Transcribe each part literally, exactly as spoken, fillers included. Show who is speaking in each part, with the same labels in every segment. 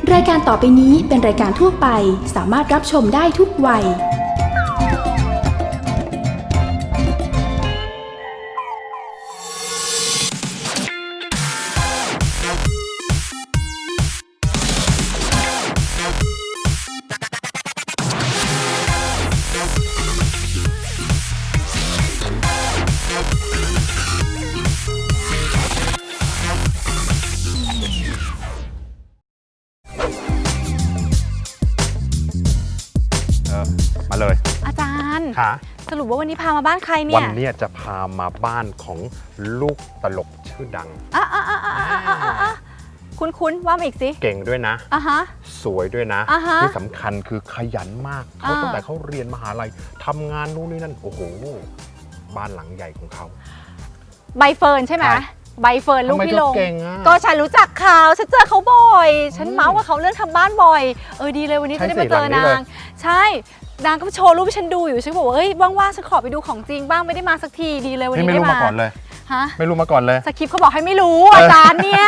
Speaker 1: รายการต่อไปนี้เป็นรายการทั่วไปสามารถรับชมได้ทุกวัย
Speaker 2: มาเลย
Speaker 3: อาจารย์
Speaker 2: ค่ะ
Speaker 3: สรุปว่าวันนี้พามาบ้านใครเนี่ย
Speaker 2: วันนี้จะพามาบ้านของลูกตลกชื่อดัง
Speaker 3: อ่ะอ่ะอ่ะอ่ะอ่ะอ่ะอ่ะคุ้นๆว่ามาอีกสิ
Speaker 2: เก่งด้วยนะ
Speaker 3: อ่ะฮะ
Speaker 2: สวยด้วยนะ
Speaker 3: อ่ะฮะ
Speaker 2: ที่สำคัญคือขยันมากเขาตั้งแต่เขาเรียนมหาลัยทำงานนู่นนี่นั่นโอ้โหบ้านหลังใหญ่ของเขา
Speaker 3: ใบเฟิร์นใช่ไหมใบเฟิร์นลูกพี่ลง
Speaker 2: ก็
Speaker 3: ฉันรู้จักเขาฉันเจอเขาบ่อยฉันเมาส์ว่าเขาเรื่องทำบ้านบ่อยเออดีเลยวันนี้จะได้มาเจอนางใช่นางก็โชว์รูปให้ฉันดูอยู่ฉันบอกว่าเฮ้ยว่างๆฉันขอไปดูของจริงบ้างไม่ได้มาสักทีดีเลยวันนี้ได้มา
Speaker 2: ไม่รู้มาก่อนเลย
Speaker 3: ฮะ
Speaker 2: ไม่รู้มาก่อนเลย
Speaker 3: สคริปต์เขาบอกให้ไม่รู้อาจารย์เนี่ย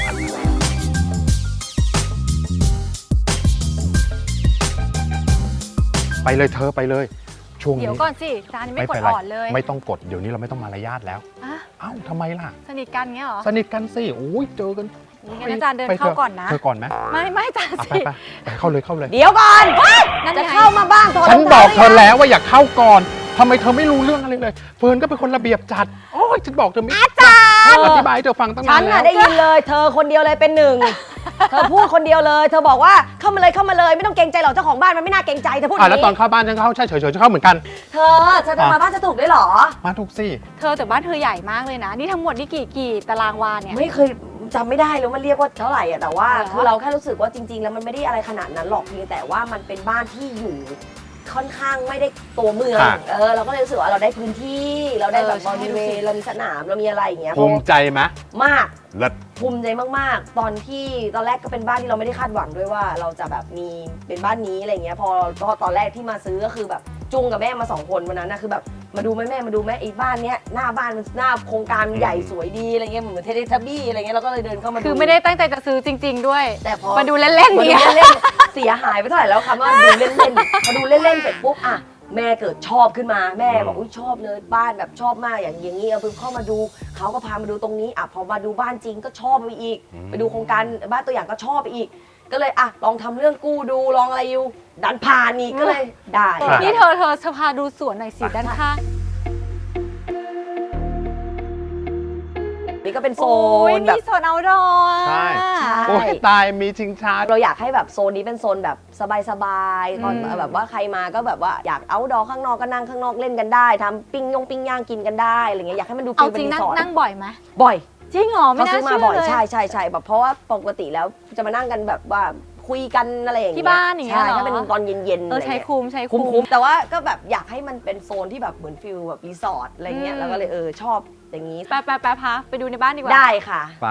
Speaker 2: ไปเลยเธอไปเลยช่วงนี้
Speaker 3: เดี๋ยวก่อนสิอาจารย์ไม่กดอ่อนเลย
Speaker 2: ไม่ต้องกดเดี๋ยวนี้เราไม่ต้องมารยาทแล้วอ้าวทำไมล่ะ
Speaker 3: สนิทกันเงี้ยเหรอ
Speaker 2: สนิทกันสิโอ้ยเจอกัน
Speaker 3: งั้นอาจารย์เดินเข้าก่อนนะ
Speaker 2: เธอก่อนไหม
Speaker 3: ไม่ไม่อาจารย์สิ
Speaker 2: ไปไปเข้าเลยเข้าเลย
Speaker 4: เดี๋ยวก่อนจะเข้ามาบ้าง
Speaker 2: ฉันบอกเธอแล้วว่าอยากเข้าก่อนทำไมเธอไม่รู้เรื่องอะไรเลยเฟิร์นก็เป็นคนระเบียบจัดโอ้ยฉันบอกเธอไม่
Speaker 4: อาจารย์
Speaker 2: อธิบายเธอฟังตั้งนานแล้ว
Speaker 4: ฉันได้ยินเลยเธอคนเดียวเลยเป็นหนึ่งเธอพูดคนเดียวเลยเธอบอกว่าเข้ามาเลยเข้ามาเลยไม่ต้องเกรงใจหรอกเจ้าของบ้านมันไม่น่าเกรงใจเธอพูดอย่างนี้
Speaker 2: แล้วตอนเข้าบ้านฉันเข้าใช่เฉยๆเข้าเหมือนกัน
Speaker 4: เธอจะมาบ้านจะถูกได้หรอ
Speaker 2: มาถูกสิ
Speaker 3: เธอแต่บ้านเธอใหญ่มากเลยนะนี่ทั้งหมดนี่กี่กี่ตารางวาเนี่ย
Speaker 4: ไม่เคยจำไม่ได้แล้วมันเรียกว่าเท่าไหร่อะแต่ว่าคือเราแค่รู้สึกว่าจริงๆแล้วมันไม่ได้อะไรขนาดนั้นหรอกเพียงแต่ว่ามันเป็นบ้านที่อยู่ค่อนข้างไม่ได้ตัวเมืองเออเราก็เลยรู้สึกว่าเราได้พื้นที่เราได้แบบบริเวณเรามีสนามเรามีอะไรอย่างเงี้ย
Speaker 2: ภูมิใจไหม
Speaker 4: มาก
Speaker 2: เลิศ
Speaker 4: ภูมิใจมากๆตอนที่ตอนแรกก็เป็นบ้านที่เราไม่ได้คาดหวังด้วยว่าเราจะแบบมีเป็นบ้านนี้อะไรเงี้ยพอพอตอนแรกที่มาซื้อก็คือแบบจุงกับแม่มาสองคนวันนั้นนะคือแบบมาดูแม่แม่มาดูแม่ไอ้บ้านเนี้ยหน้าบ้านมันหน้าโครงการใหญ่สวยดีอะไรเงี้ยเหมือนเทเลทับบี้อะไรเงี้ยเราก็เลยเดินเข้ามาดู
Speaker 3: คือไม่ได้ตั้งใจจะซื้อจริงๆด้วย
Speaker 4: แต่พอ
Speaker 3: มาดูเล่นๆ
Speaker 4: มาดูเล่นๆเสียหายไปเท่าไหร่แล้วคำว่าดูเล่นๆพอดูเล่นๆเสร็จปุ๊บอ่ะแม่เกิดชอบขึ้นมาแม่บอกอุ้ยชอบเลยบ้านแบบชอบมากอย่างอย่างนี้เอาเพิ่งเข้ามาดูเขาก็พามาดูตรงนี้อ่ะพอมาดูบ้านจริงก็ชอบไปอีกไปดูโครงการบ้านตัวอย่างก็ชอบไปอีกก็เลยอ่ะลองทำเรื่องกู้ดูลองอะไรอยู่ดันผ่านอีกก็เลยได้
Speaker 3: นี่เธอเธอจะพาดูสวนหน่อยสิด้านข้าง
Speaker 4: นี่ก็เป็นโซน
Speaker 3: แบบมีโซนเอาท์ดอร์
Speaker 2: ใช่โอ้ยตายมีชิงช้า
Speaker 4: เราอยากให้แบบโซนนี้เป็นโซนแบบสบายๆตอนแบบว่าใครมาก็แบบว่าอยากเอาท์ดอร์ข้างนอกก็นั่งข้างนอกเล่นกันได้ทำปิ้งยงปิ้งย่างกินกันได้อะไรเงี้ยอยากให้มันดู
Speaker 3: ฟิลเป็นรีสอร์ทนั่งบ่อยไหม
Speaker 4: บ่อย
Speaker 3: จริงเหรอไม่น่าเชื่อเลย
Speaker 4: ใช่ใช่ใช่แบบเพราะว่าปกติแล้วจะมานั่งกันแบบว่าคุยกันอะไรอย่างเงี้ย
Speaker 3: ที่บ้านอย่างเงี้ย
Speaker 4: ใช่ถ้าเป็นตอนเย็นๆ
Speaker 3: เออใช้คุ้มใช้
Speaker 4: คุ้มแต่ว่าก็แบบอยากให้มันเป็นโซนที่แบบเหมือนฟิลแบบรีสอร์ทอะไรเงี้ยแล้วก็เลยเออชอบอย่างนี้
Speaker 3: ไปไปไปพาไปดูในบ้านดีกว่า
Speaker 4: ได้ค่ะ
Speaker 2: ไป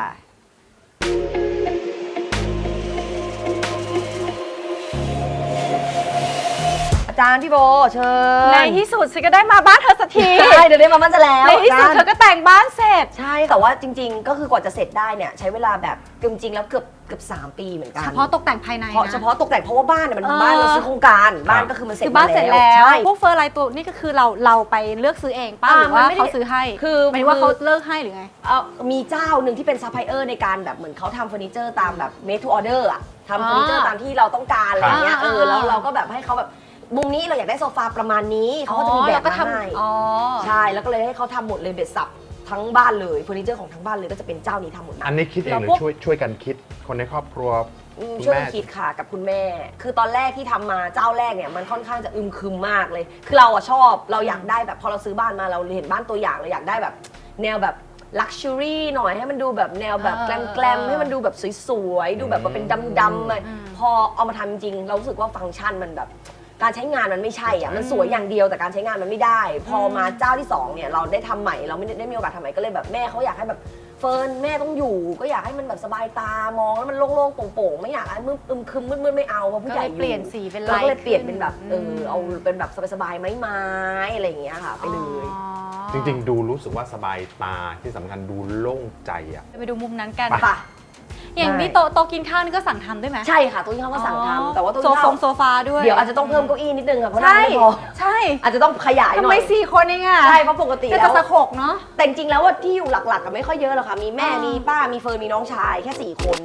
Speaker 4: อาจารย์พี่โบเชิญ
Speaker 3: ในที่สุดฉันก็ได้มาบ้านเธอสักที
Speaker 4: ใช่เดี๋ยวได้มาบ้านจะแล้ว
Speaker 3: ในที่สุดเธอก็แต่งบ้านเสร็จ
Speaker 4: ใช่แต่ว่าจริงๆก็คือกว่าจะเสร็จได้เนี่ยใช้เวลาแบบจริงๆแล้วเกือบเกือบสามปีเหมือนกัน
Speaker 3: เฉพาะตกแต่งภายในนะ
Speaker 4: เฉพาะตกแต่งเพราะว่าบ้านเนี่ยมันบ้านเราซื้อโครงการบ้านก็คือมันเสร็จ
Speaker 3: บ้านเสร็จแล้วพวกเฟอร์ไลน์ตัวนี่ก็คือเราเราไปเลือกซื้อเองป้าหรือว่าเขาซื้อให้
Speaker 4: คือ
Speaker 3: หมายว่าเขาเลิกให้หรือไง
Speaker 4: เออมีเจ้าหนึ่งที่เป็นซัพพลายเออร์ในการแบบเหมือนเขาทำเฟอร์นิเจอร์ตามแบบ made to order อะทำเฟอร์นิเจอร์ตามที่เราต้องการอะไรเงี้ยเออแล้วเราก็แบบให้เขาแบบมุมนี้เราอยากได้โซฟาประมาณนี้เขาก็จะมีแบบมาให้ใช่แล้วก็เลยให้เขาทำหมดเลยเบ็ดสับทั้งบ้านเลยเฟอร์นิเจอร์ของทั้งบ้านเลยก็จะเป็นเจ้านี้ทำหมด
Speaker 2: อันนี้คิดเองหรือช่วยช่วยกันคิดคนในครอบครัว
Speaker 4: ช่วยกันคิดค่ะกับคุณแม่คือตอนแรกที่ทำมาเจ้าแรกเนี่ยมันค่อนข้างจะอึมครึมมากเลยคือเราอะชอบเราอยากได้แบบพอเราซื้อบ้านมาเราเห็นบ้านตัวอย่างเราอยากได้แบบแนวแบบลักชัวรี่หน่อยให้มันดูแบบแนวแบบแกลมๆให้มันดูแบบสวยๆดูแบบเป็นดำๆเลยพอเอามาทำจริงเรารู้สึกว่าฟังก์ชันมันแบบการใช้งานมันไม่ใช่อ่ะมันสวยอย่างเดียวแต่การใช้งานมันไม่ได้พอมาเจ้าที่สองเนี่ยเราได้ทำใหม่เราไม่ได้มีโอกาสทำใหม่ก็เลยแบบแม่เขาอยากให้แบบเฟิร์นแม่ต้องอยู่ก็อยากให้มันแบบสบายตามองแล้วมันโล่งๆโป่งๆไม่อยากให้มืดอึมครึมมืดๆไม่เอาเพราะผู้ใหญ่
Speaker 3: เปลี่ยนสีเป็น
Speaker 4: ลายก็เลยเปลี่ยนเป็นแบบเออเอาเป็นแบบสบายๆไม้ๆอะไรอย่างเงี้ยค่ะไปเลย
Speaker 2: จริงๆดูรู้สึกว่าสบายตาที่สำคัญดูโล่งใจอ่ะ
Speaker 3: ไปดูมุมนั้นกัน
Speaker 4: ป่ะ
Speaker 3: อย่างนี้โต๊ะโต๊ะกินข้าวนี่ก็สั่งทำด้วยไหม
Speaker 4: ใช่ค่ะโต๊ะกินข้าวก็สั่งทำแต่ว่าโต๊ะ
Speaker 3: โซ
Speaker 4: กิน
Speaker 3: ฟ
Speaker 4: ข้าว
Speaker 3: งโซฟาด้วย
Speaker 4: เดี๋ยวอาจจะต้องเพิ่มเก้าอี้นิดนึงค่ะเพราะนั่ง
Speaker 3: ใช่
Speaker 4: ไม่พอ
Speaker 3: ใช่
Speaker 4: อาจจะต้องขยายห
Speaker 3: ทำ
Speaker 4: น่
Speaker 3: ไม
Speaker 4: อย
Speaker 3: สี่คนเองอะ
Speaker 4: ใช่เพราะปกติ
Speaker 3: ก็
Speaker 4: แล้
Speaker 3: จะ
Speaker 4: ว
Speaker 3: สะขกเนาะ
Speaker 4: แต่จริงๆแล้วว่าที่อยู่หลักๆก็ไม่ค่อยเยอะหรอกค่ะมีแม่
Speaker 3: อ่ามี
Speaker 4: มีป้ามีเฟิร์นมีน้องชายแค่สี่คน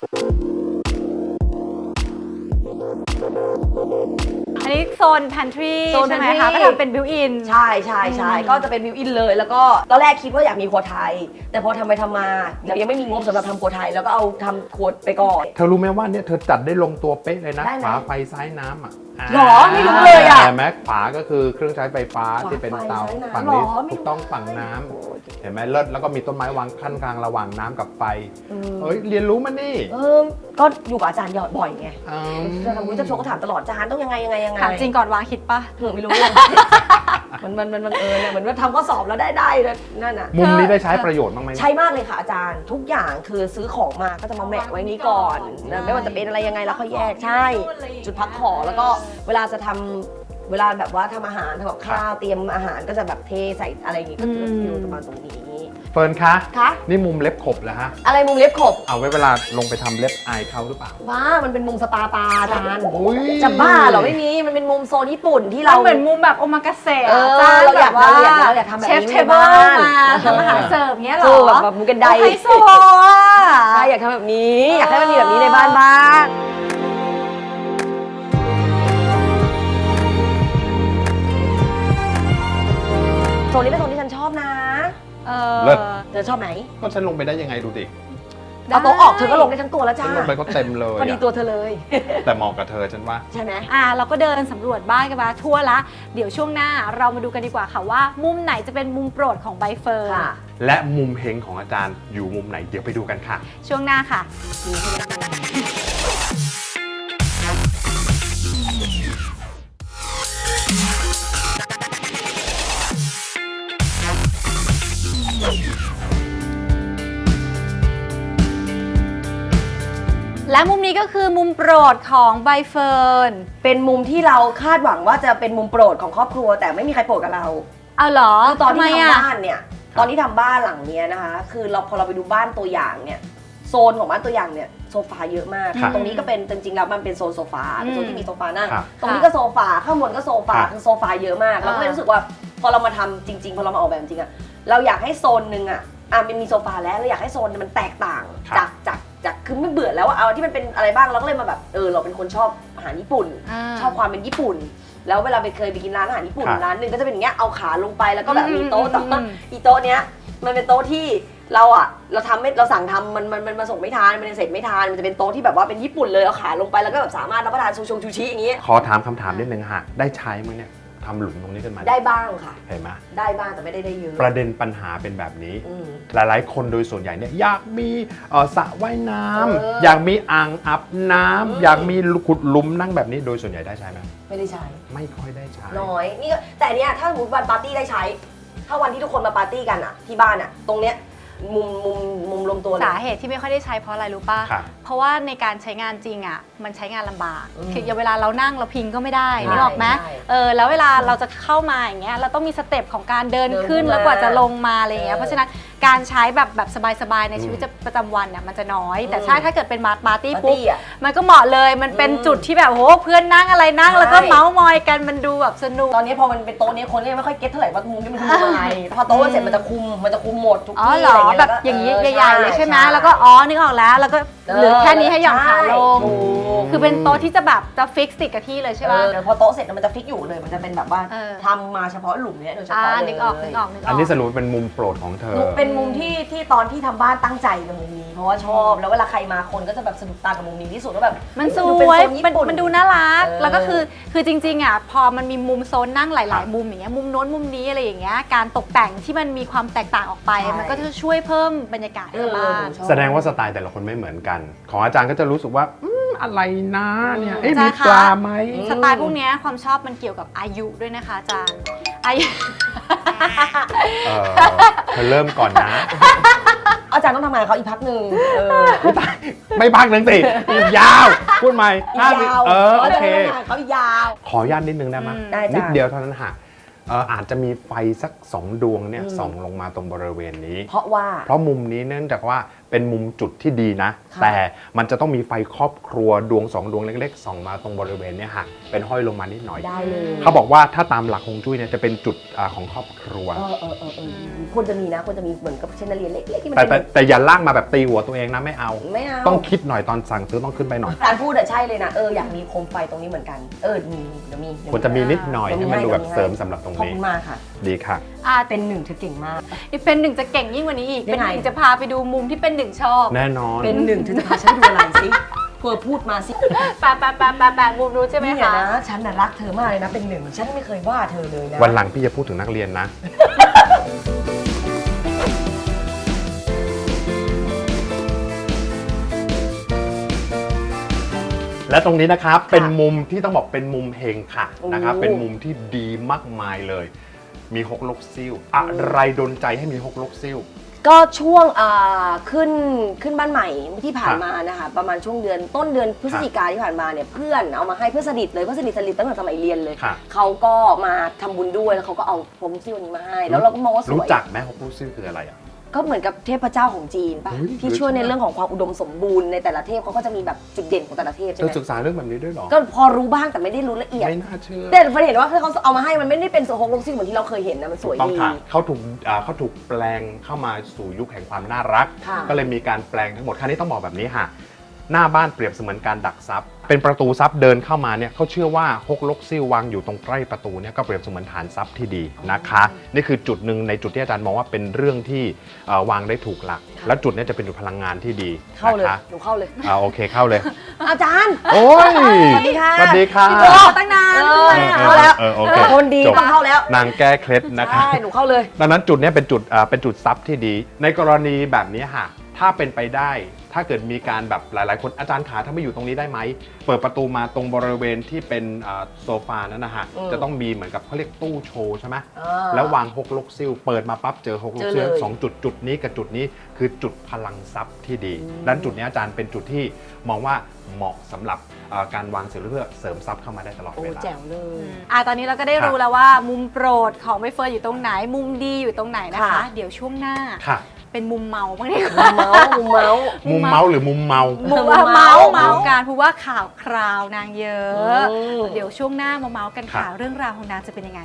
Speaker 3: อันนี้โซน pantry
Speaker 4: โซน
Speaker 3: ใช่ไหม
Speaker 4: pantry
Speaker 3: คะก็ทำเป็น built in
Speaker 4: ใช่ใช่ใช่ก็จะเป็นบิวอินเลย แล้วก็ตอนแรกคิดว่าอยากมีครัวไทย แต่พอทำไปทำมาเรายังไม่มีงบสำหรับทำครัวไทยแล้วก็เอาทำครัวไปก่อน
Speaker 2: เธอรู้ไหมว่าเนี่ยเธอจัดได้ลงตัวเป๊ะเลยนะ
Speaker 4: ได้ไหม
Speaker 2: ฝาไฟซ้ายน้ำอ่ะ
Speaker 4: หรอไม่รู้เลยอะ
Speaker 2: เห็นไหมฝาก็คือเครื่องใช้ไฟฟ้า
Speaker 4: ฝา
Speaker 2: ที่เป็นเตา
Speaker 4: ไฟซ้ายน้ำ
Speaker 2: ฝั่งนี้
Speaker 4: หรอไม่รู้
Speaker 2: ถูกต้องฝั่งน้ำเห็นไหมเลิศแล้วก็มีต้นไม้วางขั้นกลางระหว่างน้ำกับไฟเฮ้ยเรียนรู้มันนี่
Speaker 4: เออก็อยู่กับอาจารย์บ่อยไง
Speaker 2: อืม
Speaker 4: จะทำวุ้ยจะโชว์ก็ถามตลอดอาจารย์ต้องยังไงยังไงยังไง
Speaker 3: ถามจริงก่อนวางคิดปะ
Speaker 4: เออไม่รู้ มันมันมันบังเอิญอะเหมือนว่าทำข้อสอบแล้วได้ได้แล้วนั่นน่ะ
Speaker 2: มุมนี้ได้ใช้ประโยชน์บ้างไหม
Speaker 4: ใช่มากเลยค่ะอาจารย์ทุกอย่างคือซื้อของมาก็จะมาแมะไว้นี้ก่อนนะไม่ว่าจะเป็นอะไรยังไงแล้วค่อยแยกใช่ จุดพักของแล้วก็เวลาจะทำเวลาแบบว่าทำอาหารทำกับข้าวเตรียมอาหารก็จะแบบเทใส่อะไรอย่างงี้ก็จะอยู่ประมาณตรงนี้
Speaker 2: เฟิร์นคะ
Speaker 4: คะ
Speaker 2: นี่มุมเล็บขบเหรอฮะ
Speaker 4: อะไรมุมเล็บขบ
Speaker 2: เอาไว้เวลาลงไปทำเล็บอายเขาหรือเปล่า
Speaker 4: ว้ามันเป็นมุมสปาตาอาจารย์
Speaker 2: โอ้ย
Speaker 4: จะบ้าเหรอไม่มีมันเป็นมุมโซนญี่ปุ่นที่
Speaker 3: เรา
Speaker 4: เรา
Speaker 3: เหมือนมุมแบบโอมากาเสะ
Speaker 4: เออ
Speaker 3: จ้
Speaker 4: เราอยาก
Speaker 3: แบบว่
Speaker 4: เราอยากเราอยากทำแบบนี้
Speaker 3: เชฟ
Speaker 4: ใน
Speaker 3: เทเบิล
Speaker 4: บ้าน
Speaker 3: มาทำอาหารเสิร์ฟเงี้ยเหร
Speaker 4: ถู
Speaker 3: อก
Speaker 4: แบบแบบมุมกันได
Speaker 3: ไฮโซอ่ะ
Speaker 4: ใช่อยากทำแบบนี้ อยากให้มันมีแบบนี้ในบ้านบ้างโซนนี้เป็นโซนที่ฉันชอบนะ
Speaker 3: เออ
Speaker 2: เลิศ
Speaker 4: เธอชอบไหม
Speaker 2: ก็ฉันลงไปได้ยังไงดูดิ
Speaker 4: เอาโต๊ะออกเธอก็ลงได้ทั้งตัวแล้ว
Speaker 2: ฉั
Speaker 4: จ้าน
Speaker 2: ลงไปก็เต็มเลย
Speaker 4: พอดี
Speaker 2: อะ
Speaker 4: ตัวเธอเลย
Speaker 2: แต่เหมาะกับเธอฉันว่า
Speaker 4: ใช่ไหม
Speaker 3: อ่ะเราก็เดินสำรวจบ้านกันมาทั่วละ เดี๋ยวช่วงหน้าเรามาดูกันดีกว่าค่ะว่า มุมไหนจะเป็นมุมโปรดของใบเฟิร์น
Speaker 4: ค่ะ
Speaker 2: และมุมเฮงของอาจารย์อยู่มุมไหนเดี๋ยวไปดูกันค่ะ
Speaker 3: ช่วงหน้าค่ะ และมุมนี้ก็คือมุมโปรดของใบเฟิร์น
Speaker 4: เป็นมุมที่เราคาดหวังว่าจะเป็นมุมโปรดของครอบครัว แต่ไม่มีใครโปรดกับเรา
Speaker 3: เอาเหรอ
Speaker 4: คือตอนที่
Speaker 3: ไม
Speaker 4: ทำ
Speaker 3: อะ
Speaker 4: บ้านเนี่ย ตอนที่ทำบ้านหลังเนี้ยนะคะ คือเราพอเราไปดูบ้านตัวอย่างเนี่ย โซนของบ้านตัวอย่างเนี่ยโซฟาเยอะมาก
Speaker 2: ครับ
Speaker 4: ตรงนี้ก็เป็นจริงๆแล้วมันเป็นโซนโซฟาเป็นโซนที่มีโซฟานั่ง
Speaker 2: ครับ
Speaker 4: ตรงนี้ก็โซฟา ข้างบนก็โซฟา
Speaker 2: ครับ
Speaker 4: คือโซฟาเยอะมาก เราก็เลยรู้สึกว่าพอเรามาทำจริง ๆ พอเรามาออกแบบจริงอะเราอยากให้โซนหนึ่งอะอ่ะมันมีโซฟาแล้วเราอยากให้โซนมันแตกต่าง
Speaker 2: ครับ
Speaker 4: จากจากจากคือไม่เบื่อแล้วว่าเอาที่มันเป็นอะไรบ้างเราก็เลยมาแบบเออเราเป็นคนชอบอาหารญี่ปุ่น
Speaker 3: า
Speaker 4: ชอบความเป็นญี่ปุ่น แล้วเวลาไปเคยไปกินร้านอาหารญี่ปุ่น
Speaker 2: ครับ
Speaker 4: ร้านหนึ่งก็จะเป็นอย่างเงี้ยเอาขาลงไปแล้วก็แบบ
Speaker 3: อืม
Speaker 4: มีโต๊ะ
Speaker 3: อืม
Speaker 4: แต่ว่า
Speaker 3: อืม
Speaker 4: อีโต๊ะเนี้ยมันเป็นโต๊ะที่เราอ่ะเราทำไม่เราสั่งทำมันมันมันมาส่งไม่ทานมันเสร็จไม่ทานมันจะเป็นโต๊ะที่แบบว่าเป็นญี่ปุ่นเลยเอาขาลงไปแล้วก็แบบสามารถรับประทานซูชงชูชิอย่างงี้
Speaker 2: ขอถามคำถามนิดนึงฮะได้ใช้มั้ยเนี่ยทำหลุมตรงนี้ขึ้นมา
Speaker 4: ได้บ้างค่ะ
Speaker 2: เห็นไหม
Speaker 4: ได้บ้างแต่ไม่ได้ได้เยอะ
Speaker 2: ประเด็นปัญหาเป็นแบบนี้
Speaker 4: อืม
Speaker 2: หลายๆ คนโดยส่วนใหญ่เนี่ยอยากมีเอ่อสระว่ายน้ำ
Speaker 4: เออ
Speaker 2: อยากมีอ่างอาบน้ำ
Speaker 4: อืม
Speaker 2: อยากมีขุดหลุมนั่งแบบนี้โดยส่วนใหญ่ได้ใช้ไหม
Speaker 4: ไม่ได้ใช้
Speaker 2: ไม่ค่อยได้ใช้
Speaker 4: น้อยนี่ก็แต่เนี้ยถ้าสมมติวันปาร์ตี้ได้ใช้ ถ้าวันที่ทุกคนมาปาร์ตี้กันอ่ะที่บ้านอ่ะตรงเนี้ยมุมมุมมุมรวมตัวเลย
Speaker 3: สาเหตุที่ไม่ค่อยได้ใช้เพราะอะไรรู้ป่ะ
Speaker 2: ครับ
Speaker 3: เพราะว่าในการใช้งานจริงอ่ะมันใช้งานลำบาก
Speaker 4: อืม
Speaker 3: คืออย่างเวลาเรานั่งเราพิงก็ไม่ได้
Speaker 4: ใช่
Speaker 3: นึกออกไหม
Speaker 4: ใช่
Speaker 3: เออแล้วเวลาเราจะเข้ามาอย่างเงี้ยเราต้องมีสเต็ปของการเดิน
Speaker 4: เดิน
Speaker 3: ขึ้น
Speaker 4: ขึ้น
Speaker 3: แล้วกว่า
Speaker 4: มา
Speaker 3: จะลงมาอะไรอย่างเงี้ย
Speaker 4: เออ
Speaker 3: เพราะฉะนั้นการใช้แบบแบบสบายๆใน
Speaker 2: อืม
Speaker 3: ชีวิตประจำวันเนี่ยมันจะน้อย แต่
Speaker 4: อืม
Speaker 3: ใช่ถ้าเกิดเป็นมาปาร์ตี้
Speaker 4: ปาร์
Speaker 3: ปุ๊บ
Speaker 4: ตี้อ่ะ
Speaker 3: มันก็เหมาะเลยมันเป็น
Speaker 4: อืม
Speaker 3: จุดที่แบบโหเพื่อนนั่งอะไรนั่ง
Speaker 4: ใช่
Speaker 3: แล้วก็เมาส์มอยกันมันดูแบบสนุก
Speaker 4: ตอนนี้พอมันเป็นโต๊ะนี้คนก็ยังไม่ค่อยเก็ตเท่าไหร่ว่ามุมนี้มันคือมุมอะไรพอโต๊ะเสร็จมันจะคุมมันจะคุมหมดทุก
Speaker 3: อ๋อ
Speaker 4: ที่
Speaker 3: เหร
Speaker 4: อะไร
Speaker 3: อ
Speaker 4: เงี้ย
Speaker 3: แบบ
Speaker 4: ล้วก็
Speaker 3: อย่างนี้
Speaker 4: ออ
Speaker 3: ใหญ่ๆเลยใช่ไหม
Speaker 4: ใช่
Speaker 3: แล้วก็อ๋อนึกออกแล้วแล้วก็เหลือแค่นี้ให้หย่อนขาลง
Speaker 4: ใช่ถูก
Speaker 3: คือเป็นโต๊ะที่จะแบบจะฟิกติดกับที่เลยใช่ป่ะ
Speaker 4: เออพอโต๊ะเสร็จมันจะฟิกอยู่เลย มันจะเป็นแบบว่า
Speaker 3: เออ
Speaker 4: ทำมาเฉพาะหลุมเนี้ยโดยเฉ
Speaker 3: อ่า
Speaker 4: พาะเลย
Speaker 3: นึกออกนึกออกนึกออก
Speaker 2: อันนี้สรุปเป็นมุมโปรดของเธอ
Speaker 4: เป็นมุมที่ที่ตอนที่ทำบ้านตั้งใจกับมุมนี้ เพราะว่าชอบแล้วเวลาใครมาคนก็จะแบบสะดุดตากับมุมนี้ที่สุดว่าแบบ
Speaker 3: มันส
Speaker 4: ดูเป็น
Speaker 3: วย
Speaker 4: โซนญี่
Speaker 3: มัน
Speaker 4: ปุ่น
Speaker 3: มันดูน่ารัก
Speaker 4: เออ
Speaker 3: แล้วก็คือคือจริงๆอ่ะพอมันมีมุมโซนนั่งห
Speaker 2: ครั
Speaker 3: ลาย
Speaker 2: บ
Speaker 3: ๆ มุมอย่างเงี้ยมุมโน้นมุมนี้อะไรอย่างเงี้ยการตกแต่งที่มันมีความแตกต่างออกไป
Speaker 4: ใช่
Speaker 3: มันก็จะช่วยเพิ่มบรรยากาศให้บ้าน
Speaker 4: เออชอบ
Speaker 2: แสดงว่าสไตล์แต่ละคนไม่เหมือนกัน ของอาจารย์ก็จะรู้สึกว่าอืมอะไรนะเนี่ยเอ๊ะ
Speaker 3: อาจาร
Speaker 2: มี
Speaker 3: ย์คะ
Speaker 2: ปลาไหม
Speaker 3: สไตล์พวกเนี้ยความชอบมันเกี่ยวกับอายุด้วยนะคะอาจารย์อายุ
Speaker 2: เออเธอเริ่มก่อนนะ
Speaker 4: อาจารย์ต้องทำงานเขาอีกพักหนึ่งเออ
Speaker 2: ไม่พักหนึ่งสิอีกยาว พูดใหม่
Speaker 4: อีก
Speaker 2: ห้าสิบ
Speaker 4: ยาว
Speaker 2: เออโอเค
Speaker 4: าจารย์ต้องทำงานเขาอีกยาว
Speaker 2: ขออนุญาตนิดนึงได้ไหม
Speaker 3: อืม
Speaker 4: ได้จ้ะ
Speaker 2: นิดเดียวเท่านั้นค่ะเอ่ออาจจะมีไฟสักสองดวงเนี่ย
Speaker 4: อืม
Speaker 2: ส่องลงมาตรงบริเวณนี้
Speaker 4: เพราะว่า
Speaker 2: เพราะมุมนี้เนื่องจากว่าเป็นมุมจุดที่ดีนะ
Speaker 4: ค่ะ
Speaker 2: แต่มันจะต้องมีไฟครอบครัวดวงสองดวงเล็กๆส่องมาตรงบริเวณเนี้ยค่ะเป็นห้อยลงมานิดหน่อย
Speaker 4: ได้เลย
Speaker 2: เขาบอกว่าถ้าตามหลักฮวงจุ้ยเนี่ยจะเป็นจุดอ่าของครอบครัว
Speaker 4: เออเออเออเออควรจะมีนะควรจะมีเหมือนกับเชนเดอเลียร์เล็กๆที่มัน
Speaker 2: แต่แต่
Speaker 4: เป็น
Speaker 2: แต่อย่าลากมาแบบตีหัวตัวเองนะไม่เอา
Speaker 4: ไม่เอา
Speaker 2: ต้องคิดหน่อยตอนสั่งซื้อต้องขึ้นไปหน่อย
Speaker 4: การพูดอะใช่เลยนะเอออยากมีโคมไฟตรงนี้เหมือนกันเออมีเดี๋ยวมีเดี๋ยว
Speaker 2: ควรจะมีนิดหน่อย
Speaker 4: เดี๋ยว
Speaker 2: ให้มันดูแบบ
Speaker 4: ให้
Speaker 2: เสริมสำหรับตรง
Speaker 4: ขอบ
Speaker 2: นี้
Speaker 4: คุณมากค่ะ
Speaker 2: ดีค่ะ
Speaker 3: อ่า
Speaker 4: เป็นหนึ่งเธอเก่งมาก
Speaker 3: เป็นหนึ่งจะเก่งยิ่งกว่านี้อีก
Speaker 4: ยั
Speaker 3: เป็น
Speaker 4: ง
Speaker 3: ห
Speaker 4: ไง
Speaker 3: นึ่งจะพาไปดูมุมที่เป็นหนึ่งชอบ
Speaker 2: แน่นอน
Speaker 4: เป็นหนึ่งเธอจะพาฉันไปดูอะไรสิเธอพูดมาสิ
Speaker 3: แปะแปะแปะแปะแปะมุมรู้ใช่ไหม
Speaker 4: เนี่ย
Speaker 3: คะ
Speaker 4: นะฉันน่ะรักเธอมากเลยนะเป็นหนึ่งฉันไม่เคยว่าเธอเลยนะ
Speaker 2: วันหลังพี่จะพูดถึงนักเรียนนะ และตรงนี้นะครับเป็นมุมที่ต้องบอกเป็นมุมเฮงค่ะนะครับเป็นมุมที่ดีมากมายเลย มีฮกลกซิ่วอะไรดลใจให้มีฮกลกซิ่ว
Speaker 4: ก็ช่วงอ่าขึ้นขึ้นบ้านใหม่ที่ผ่าน
Speaker 2: ครับ
Speaker 4: มานะคะประมาณช่วงเดือนต้นเดือนพฤศจิกาที่ผ่านมาเนี่ยเพื่อนเอามาให้เพื่อนสนิทเลยเพื่อนสนิทสนิทตั้งแต่สมัยเรียนเลย
Speaker 2: ครับ
Speaker 4: เขาก็มาทำบุญด้วยแล้วเขาก็เอาพรมซิ่วนี้มาให้ แล้วเราก็มองว่าส
Speaker 2: รู้
Speaker 4: วย
Speaker 2: จักไหมฮกลกซิ่วคืออะไรอ่ะ
Speaker 4: ก็เหมือนกับเทพเจ้าของจีนป่ะ
Speaker 2: เฮ้ย
Speaker 4: ที่ช่วยใน
Speaker 2: เฮ้ย
Speaker 4: เรื่องของความอุดมสมบูรณ์ในแต่ละเทพเขาก็จะมีแบบจุดเด่นของแต่ละเทพ
Speaker 2: เธ
Speaker 4: ใช่ไห
Speaker 2: อ
Speaker 4: ม
Speaker 2: ศึกษาเรื่องแบบนี้ด้วยเหรอ
Speaker 4: ก็พอรู้บ้างแต่ไม่ได้รู้ละเอียด
Speaker 2: ไม่น่าเชื่อ
Speaker 4: แต่ประเด็นว่าเขาเอามาให้มันไม่ได้เป็นโซฮกลกซิ่วเหมือนที่เราเคยเห็นนะมันสวย
Speaker 2: ต้อง
Speaker 4: ดี
Speaker 2: ค่ะเขาถูกอ่าเขาถูกแปลงเข้ามาสู่ยุคแห่งความน่ารัก
Speaker 4: ค่ะ
Speaker 2: ก็เลยมีการแปลงทั้งหมดครั้นี้ต้องบอกแบบนี้ค่ะ หน้าบ้านเปรียบเสมือนการดักทรัพย์ เป็นประตูทรัพย์เดินเข้ามาเนี่ยเขาเชื่อว่าฮกลกซิ่ววางอยู่ตรงใกล้ประตูเนี่ยก็เปรียบเสมือนฐานทรัพย์ที่ดีนะคะ นี่คือจุดหนึ่งในจุดที่อาจารย์มองว่าเป็นเรื่องที่เอ่อวางได้ถูกหลัก แล้วจุดเนี้จะเป็นจุดพลังงานที่ดี
Speaker 4: เข้าเลย
Speaker 2: นะคะ
Speaker 4: หนูเข้าเลย
Speaker 2: อ่าโอเคเข้าเลย
Speaker 4: อาจารย์
Speaker 2: โอ้ย
Speaker 4: สวัสดีค่ะ
Speaker 2: สวัสดีค่ะ
Speaker 3: พี่โบตั้งนาน
Speaker 4: เออ
Speaker 3: ด้วยอะ
Speaker 4: เข้าแล้ว
Speaker 2: เออโอเค
Speaker 4: คนดี
Speaker 2: จบ
Speaker 4: ต้องเข้าแล้ว
Speaker 2: นางแก้เคล็ดนะคะ
Speaker 4: ใช่หนูเข้าเลย
Speaker 2: ดังนั้นจุดเนี้ยเป็นจุดอ่าเป็นจุดซับที่ดี ในกรณีแบบนี้ค่ะถ้าเป็นไปได้ ถ้าเกิดมีการแบบหลายๆ คนอาจารย์ขาถ้าไม่อยู่ตรงนี้ได้ไหมเปิดประตูมาตรงบริเวณที่เป็นอ่าโซฟานั้นนะฮะ
Speaker 4: อืม
Speaker 2: จะต้องมีเหมือนกับเขาเรียกตู้โชว์ใช่ไหม
Speaker 4: อ่า
Speaker 2: แล้ววางฮกลกซิ่วเปิดมาปั๊บเจอฮกลกซิ่ว
Speaker 4: เจอเลย
Speaker 2: สองจุดจุดนี้กับจุดนี้คือจุดพลังทรัพย์ที่ดีดังนั้นจุดนี้อาจารย์เป็นจุดที่มองว่าเหมาะสำหรับอ่าการวางเสริมเพื่อเสริมทรัพย์เข้ามาได้ตลอด
Speaker 4: โอ้
Speaker 2: เวลา
Speaker 4: แจ๋วเลย
Speaker 3: อ่าตอนนี้เราก็ได้
Speaker 2: ครับ
Speaker 3: รู้แล้วว่ามุมโปรดของใบเฟิร์นอยู่ตรงไหน มุมดีอยู่ตรงไหนนะคะ
Speaker 4: ค่ะ
Speaker 3: เดี๋ยวช่วงหน้า
Speaker 2: ค่ะ
Speaker 3: เป็นมุมเมาบ้างดีก
Speaker 4: มุ
Speaker 3: ว่าม
Speaker 4: เมาส์มุมเมาส์
Speaker 2: มุมเมาส์หรือมุมเมา
Speaker 3: มุม
Speaker 4: เมา
Speaker 3: เมา
Speaker 4: ส์
Speaker 3: เมาส์กันเพราะว่าข่าวคราวนางเยอะ
Speaker 4: อืม
Speaker 3: เดี๋ยวช่วงหน้ามาเมาส์กัน
Speaker 2: ครั
Speaker 3: ค่ะ
Speaker 2: บ
Speaker 3: เรื่องราวของนางจะเป็นยังไง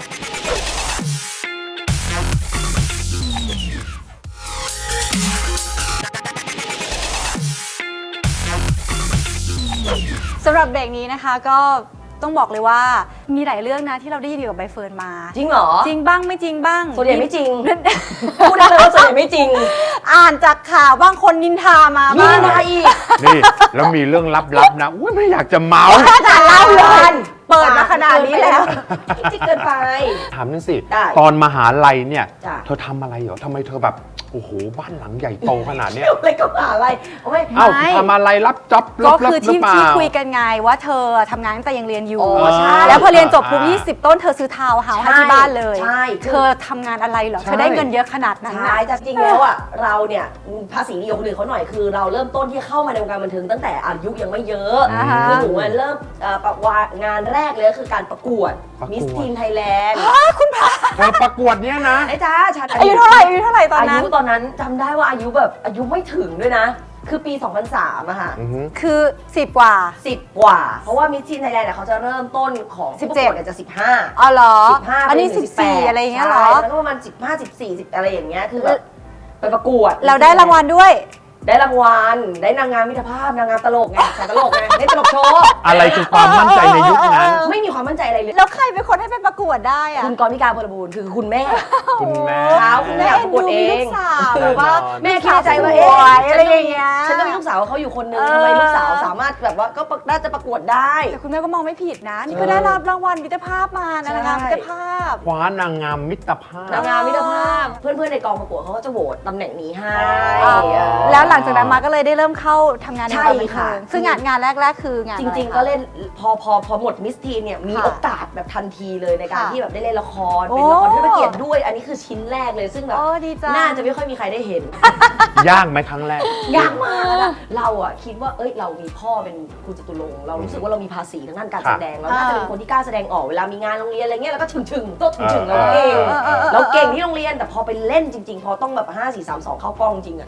Speaker 3: สำหรับเบรกนี้นะคะก็ต้องบอกเลยว่ามีหลายเรื่องนะที่เราได้ยินเกี่ยวกับใบเฟิร์นมา
Speaker 4: จริงเหรอ
Speaker 3: จริงบ้างไม่จริงบ้าง
Speaker 4: ส่วนใหญ่ไม่จริง พูดได้เลยว่าส่วนใหญ่ไม่จริง
Speaker 3: อ่านจากข่าวบ้างคนนินทามา
Speaker 4: มี
Speaker 3: บ้าง
Speaker 4: อะไรอีก
Speaker 2: นี่แล้วมีเรื่องลับๆนะอุ้ยไม่อยากจะเมา
Speaker 3: อาจารย์เล่าเลยเปิดมาขนาดนี้แล้ว
Speaker 4: จริงเกินไป
Speaker 2: ถามนั่นสิ
Speaker 4: ได้
Speaker 2: ตอนมหาลัยเนี่ย
Speaker 4: จ้ะ
Speaker 2: เธอทำอะไรเหรอทำไมเธอแบบ โอ้โห บ้านหลังใหญ่โตขนาดเนี้ย
Speaker 4: เกี่ยวอะไรกับอะไรโอ้ย
Speaker 2: เอ้า
Speaker 3: ไม่
Speaker 2: ทำอะไรรับจ็อบ
Speaker 3: ก็
Speaker 2: รับ
Speaker 3: คือ
Speaker 2: หรื
Speaker 3: ที่
Speaker 2: เปล่า
Speaker 3: ที่คุยกันไงว่าเธอทำงานตั้งแต่ยังเรียนอยู่
Speaker 4: อ๋อใช่
Speaker 3: แล้วพอเรียนจบปุ๊บ
Speaker 2: อ่า
Speaker 3: ยี่สิบต้นเธอซื้อทาวน์เฮาส์ให้ที่บ้านเลย
Speaker 4: ใช่คือ
Speaker 3: เธอทำงานอะไรเหรอ
Speaker 2: ใช่
Speaker 3: เธอได้เงินเยอะขนาดนั้น
Speaker 4: ใช่
Speaker 3: น่ะ
Speaker 4: แต่จริงแล้วอ่ะเราเนี่ยภาษีดีกว่าคนอื่นเขาหน่อยคือเราเริ่มต้นที่เข้ามาในวงการบันเทิงตั้งแต่อายุยังไม่เยอะ
Speaker 3: อ่าฮะ
Speaker 4: คือหนูอะเริ่มเอ่อประวางานแรกเลยก็คือการประกวด
Speaker 2: ประกวด
Speaker 4: มิสทีนไทยแลนด์
Speaker 2: เธอประกวดเนี้ยนะ
Speaker 4: ไอ้จ้าฉัน
Speaker 3: อายุเท่าไหร่อายุเท่าไหร่ตอนนั้น
Speaker 4: อายุตอนนั้นจำได้ว่าอายุแบบอายุไม่ถึงด้วยนะ คือปี สองพันสามอะค่ะ
Speaker 2: อือฮึ
Speaker 3: คือสิบกว่า
Speaker 4: สิบกว่า เพราะว่ามิสทีนไทยแลนด์เขาจะเริ่มต้นของผู้ประกวดเนี่ยจะสิบห้า
Speaker 3: อ๋อเหรอ
Speaker 4: สิบห้า
Speaker 3: อันนี้
Speaker 4: ไป
Speaker 3: สิ
Speaker 4: ถึ
Speaker 3: บ
Speaker 4: ง
Speaker 3: สี่
Speaker 4: แปด
Speaker 3: อะไรอย่างเงี้ยเหรอ
Speaker 4: ใช่แล้วก็ประมาณสิบห้า สิบสี่ สิบอะไรอย่างเงี้ยคือแบบไปประกวด
Speaker 3: เราได้รางวัลด้วย
Speaker 4: ได้รางวัลได้นางงามมิตรภาพนางงามตลกไงสายตลกไงได้ตลกโชว์
Speaker 2: อะไรคือความมั่นใจในยุคนั้น
Speaker 4: ไม่มีความมั่นใจอะไรเลย
Speaker 3: แล้วใครเป็นคนให้ไปประกวดได้อะ
Speaker 4: คุณกรมิกาพลบูรณ์คือคุณแม่
Speaker 2: คุณแม่
Speaker 4: เช้าคุณแม่ ประกวดเอง
Speaker 3: มีลูกสาวหรือว่า
Speaker 4: แม่คิดในใจว่า
Speaker 3: ส
Speaker 4: เอ๊ะ
Speaker 3: วยอะไรอย่างเงี้ย
Speaker 4: ฉันก็มีลูกสาวเขาอยู่คนนึง
Speaker 3: เออ
Speaker 4: ทำไมลูกสาวสามารถแบบว่าก็น่าจะประกวดได้
Speaker 3: แต่คุณแม่ก็มองไม่ผิดนะ นี่ก็ได้รับรางวัลมิตรภาพมานะ
Speaker 4: ใช่
Speaker 3: นางงามมิตรภาพ
Speaker 2: คว้านางงามมิตรภาพ
Speaker 4: นางงามมิตรภาพ เพื่อนๆในกองประกวดเขาก็จะโหวตตำแหน่งนี้ให้
Speaker 2: อ๋อ
Speaker 4: เออ
Speaker 3: แล้วหลังจากนั้นมาก็เลยได้เริ่มเข้าทำงานใน
Speaker 4: ใช่
Speaker 3: วงการบันเทิ
Speaker 4: ค่ะ
Speaker 3: งซึ่งงานงานแรก ๆ คืองาน
Speaker 4: จ
Speaker 3: อะไ
Speaker 4: ริง
Speaker 3: คะ
Speaker 4: ๆ ก็เล่นพอพอพอหมดมิสทีนเนี่ยมี
Speaker 3: ค่ะ
Speaker 4: โอกาสแบบทันทีเลยในการ
Speaker 3: ค่ะ
Speaker 4: ที่แบบได้เล่นละคร
Speaker 3: โอ้
Speaker 4: เป็นละครเทิดพระเกียรติด้วย อันนี้คือชิ้นแรกเลยซึ่งแบบ
Speaker 3: โอ้ดีจัง
Speaker 4: น่าจะไม่ค่อยมีใครได้เห็น
Speaker 2: ยากไหมครั้งแรก
Speaker 4: ยากมากอะเราอะคิดว่าเอ้ยเรามีพ่อเป็นครูจตุรงค์เรารู้สึกว่าเรามีภาษีทางด้านการ
Speaker 2: ครั
Speaker 4: แส
Speaker 2: บ
Speaker 4: ดงเราน่าจะเป็นคนที่กล้าแสดงออกเวลามีงานโรงเรียนอะไรเงี้ยเราก็ถึงถึงๆโต๊ะถึงถึงๆเราเก่ง
Speaker 3: เออเออเออ
Speaker 4: เราเก่งที่โรงเรียนแต่พอไปเล่นจริง ๆ พอต้องแบบห้า สี่ สาม สองเข้ากล้องจริงอะ